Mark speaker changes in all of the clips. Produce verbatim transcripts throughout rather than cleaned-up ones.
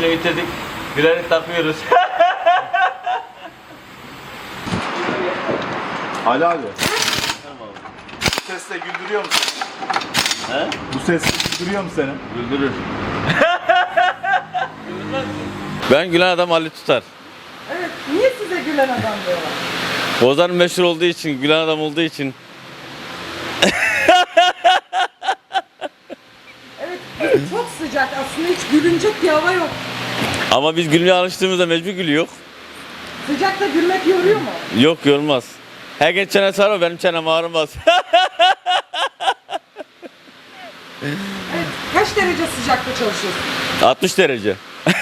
Speaker 1: Oyunu bitirdik. Gülerek takıyoruz.
Speaker 2: Ali abi. Bu sesle güldürüyor musun?
Speaker 1: He?
Speaker 2: Bu sesle güldürüyor mu seni?
Speaker 1: Güldürür. Ben gülen adam Ali Tutar.
Speaker 3: Evet, niye size gülen adam diyorlar?
Speaker 1: Bozan meşhur olduğu için, gülen adam olduğu için.
Speaker 3: Evet, çok sıcak aslında, hiç gülünecek bir hava yok.
Speaker 1: Ama biz gülmeye alıştığımızda mecbur gülüyor.
Speaker 3: Sıcakta gülmek yoruyor mu?
Speaker 1: Yok, yorulmaz. Herkes çene sarar, benim çenem ağrımaz.
Speaker 3: Evet, kaç derece sıcakta çalışıyorsun?
Speaker 1: altmış derece.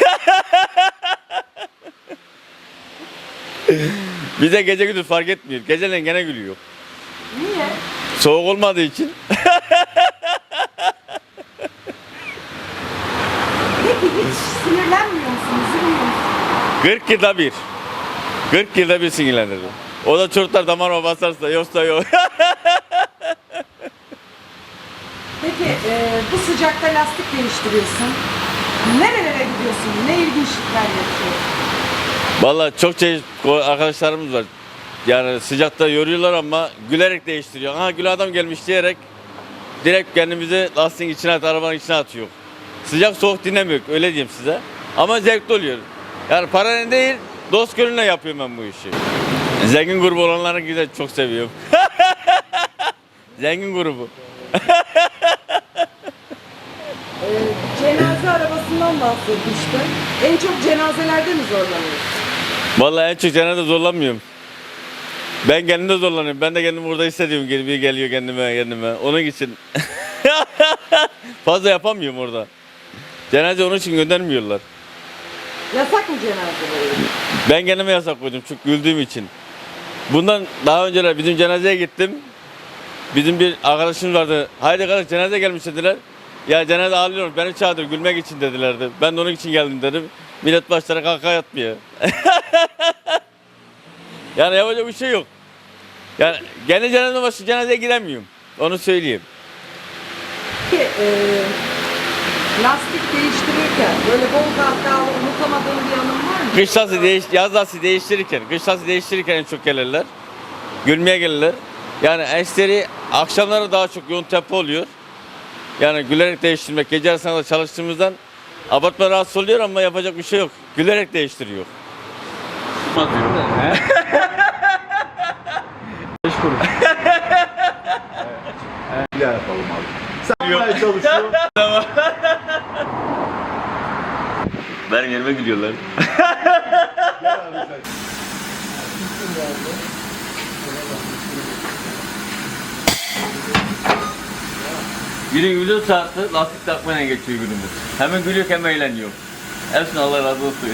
Speaker 1: Bize gece gündüz fark etmiyor. Geceleyin gene gülüyor.
Speaker 3: Niye?
Speaker 1: Soğuk olmadığı için.
Speaker 3: Peki hiç sinirlenmiyor musun, üzülmüyor musun?
Speaker 1: kırk yılda bir. kırk yılda bir sinirlenir. O da çocuklar damarıma basarsa, yoksa yok.
Speaker 3: Peki e, bu sıcakta lastik değiştiriyorsun. Nerelere gidiyorsun? Ne ilginçlikler yapıyorsun?
Speaker 1: Vallahi çok şey arkadaşlarımız var. Yani sıcakta yoruyorlar ama gülerek değiştiriyor. Ha, gül adam gelmiş diyerek direkt kendimizi lastiğin içine at, arabanın içine atıyor. Sıcak soğuk dinlemiyor, öyle diyeyim size. Ama zevkli oluyor. Yani paranın değil, dost gönlüne yapıyorum ben bu işi. Zengin grubu olanları güzel, çok seviyorum. Zengin grubu.
Speaker 3: E, cenaze arabasından bahsetmiştin. En çok cenazelerde mi zorlanıyorsun?
Speaker 1: Vallahi en çok cenazede zorlanmıyorum. Ben kendimde zorlanıyorum. Ben de kendimi burada hissediyorum. Geliyor, geliyor kendime, kendime. Onun için fazla yapamıyorum orada. Cenaze onun için göndermiyorlar.
Speaker 3: Yasak mı cenazeleri?
Speaker 1: Ben kendime yasak koydum çünkü güldüğüm için. Bundan daha önceler bizim cenazeye gittim. Bizim bir arkadaşımız vardı. Haydi kardeş, cenaze gelmiş dediler. Ya cenaze ağlıyor, beni çağırdı gülmek için dedilerdi. Ben de onun için geldim dedim. Millet başlara kalka yatmıyor. Yani yapacak bir şey yok. Yani kendi cenaze başı cenazeye gidemiyorum. Onu söyleyeyim.
Speaker 3: Peki e, lastik değiştirirken böyle bol kahkahalı unutamadığın bir anın var mı?
Speaker 1: Kış lastiği değiş, yaz lastiği değiştirirken, kış lastiği değiştirirken en çok gelirler. Gülmeye gelirler. Yani eşleri akşamları daha çok yoğun tempo oluyor. Yani gülerek değiştirmek, gece arasında da çalıştığımızdan abartma rahatsız oluyor ama yapacak bir şey yok. Gülerek değiştiriyor.
Speaker 2: Beş kuruş. Bir daha yapalım abi. Sen yapmaya çalışıyor.
Speaker 1: Benim yerime gülüyorlar.
Speaker 2: Gel abi sen.
Speaker 1: Günün yüzün saati lastik takmayla geçiyor günümüz. Hemen gülüyor hem eğleniyor. Hepsine Allah razı olsun.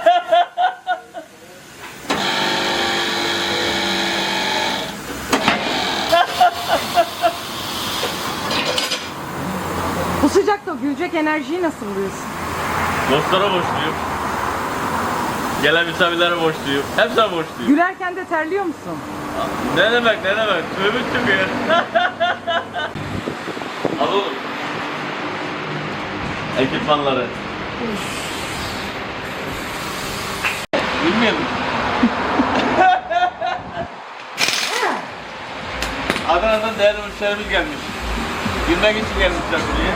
Speaker 3: Bu sıcakta gülecek enerjiyi nasıl buluyorsun?
Speaker 1: Dostlara borçluyum. Gelen misafirlere borçluyum. Hepsine borçluyum.
Speaker 3: Gülerken de terliyor musun?
Speaker 1: Ne demek, ne demek? Tövbe çıkıyor. Al oğlum. Ekipmanları. Bilmiyorum. Adana'dan değerli müşterimiz gelmiş. Gülmek için gelmişler buraya.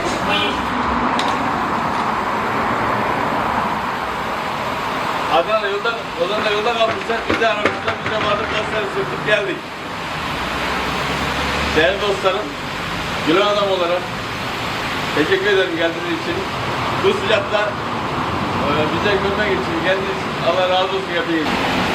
Speaker 1: Adana'da yolda, Adana'da yolda kalmışlar. Biz de aramışlar. Biz de vardık, kasları sürtüp geldik. Değerli dostlarım, gülen adam olarak teşekkür ederim geldiğiniz için. Bu sıcakta e, bize gülmek için geldiğiniz için Allah razı olsun yapayım.